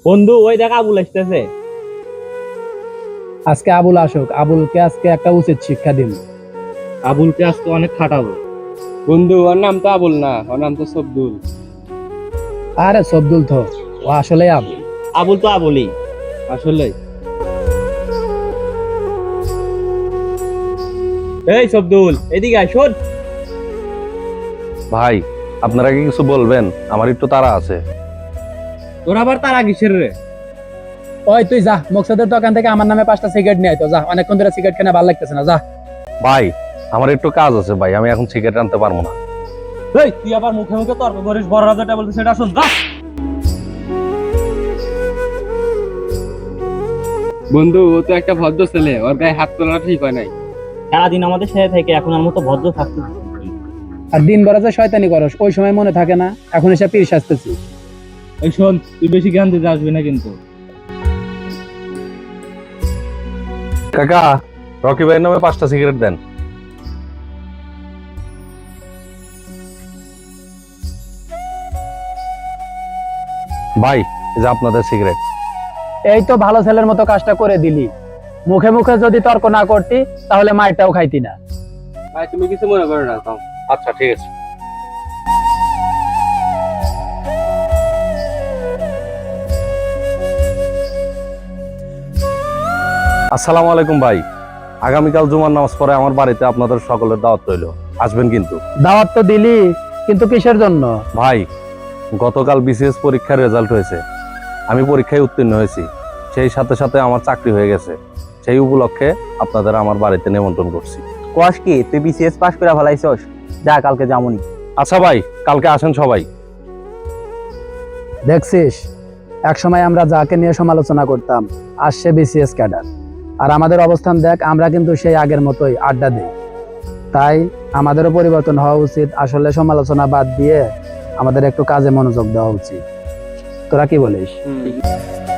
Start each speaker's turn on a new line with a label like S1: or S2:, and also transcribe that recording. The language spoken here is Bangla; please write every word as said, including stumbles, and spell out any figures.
S1: বন্ধু ওই দেখ আবুল আসতেছে।
S2: আজকে আবুল আসুক, আবুলকে আজকে একটা উচিত শিক্ষা দিন।
S1: আবুলকে আজকে অনেক খাটাবো।
S3: বন্ধু ওর নাম তো আবুল না, ওর নাম তো সবদুল।
S2: আরে সবদুল তো, ও আসলে আবুল।
S1: আবুল তো আবুলই
S3: আসলে
S1: এই সবদুল এদিকে আয় শোন।
S4: ভাই আপনারা কি কিছু বলবেন? আমার একটু তাড়া আছে।
S3: তোর আবার তারা কিসের রে?
S2: ওই তুই যা, মকসদের দোকান থেকে আমার নামে পাঁচটা সিগারেট নিয়ে আয় তো, যা, অনেকক্ষণ ধরে সিগারেট কেনা ভালো লাগতেছে না, যা।
S4: ভাই আমার একটু কাজ আছে ভাই, আমি এখন সিগারেট আনতে পারবো না।
S1: এই তুই আবার মুখে মুখে তর্ক করিস, বড় রাজাটা বলতে সেটা শুন যা।
S3: বন্ধু ও তো একটা ভদ্র ছেলে, ওর গায়ে হাত তোলাটা ঠিক হয় নাই।
S1: সারাদিন আমাদের সাথে থেকে এখন আর মতো ভদ্র থাকতে।
S2: আর দিন ভরা যে শয়তানি করস, ওই সময় মনে থাকে না, এখন এসে পীর সাজতেছি।
S1: এই শোন, তুই বেশি জ্ঞান দিতে আসবি না কিন্তু।
S4: কাকা, রকি ভাইয়ের নামে পাঁচটা সিগারেট দেন। ভাই এই যে আপনাদের সিগারেট।
S2: এই তো ভালো ছেলের মতো কাজটা করে দিলি। মুখে মুখে যদি তর্ক না করতি তাহলে মাইরটাও খাইতি না।
S3: ভাই তুমি কিছু মনে করো না। তাও
S4: আচ্ছা ঠিক আছে। আসসালামু আলাইকুম ভাই, আগামীকাল জুমার নামাজ পড়ে আমার বাড়িতে আপনাদের সকলের দাওয়াত রইল, আসবেন কিন্তু।
S2: দাওয়াত তো দিলি, কিন্তু কিসের জন্য?
S4: ভাই গতকাল বিসিএস পরীক্ষার রেজাল্ট হয়েছে, আমি পরীক্ষায় উত্তীর্ণ হয়েছি, সেই সাথে সাথে আমার চাকরি হয়ে গেছে। সেই উপলক্ষে আপনাদের আমার বাড়িতে নিমন্ত্রণ করছি।
S5: কোয়াস কি তুই বিসিএস পাস করে ফেলাইছস? যা কালকে যামুনি।
S4: আচ্ছা ভাই, কালকে আসেন সবাই।
S2: দেখছিস, একসময় আমরা যাকে নিয়ে সমালোচনা করতাম, আজ সে বিসিএস ক্যাডার। আর আমাদের অবস্থান দেখ, আমরা কিন্তু সেই আগের মতোই আড্ডা দিই। তাই আমাদেরও পরিবর্তন হওয়া উচিত। আসলে সমালোচনা বাদ দিয়ে আমাদের একটু কাজে মনোযোগ দেওয়া উচিত। তোরা কি বলিস?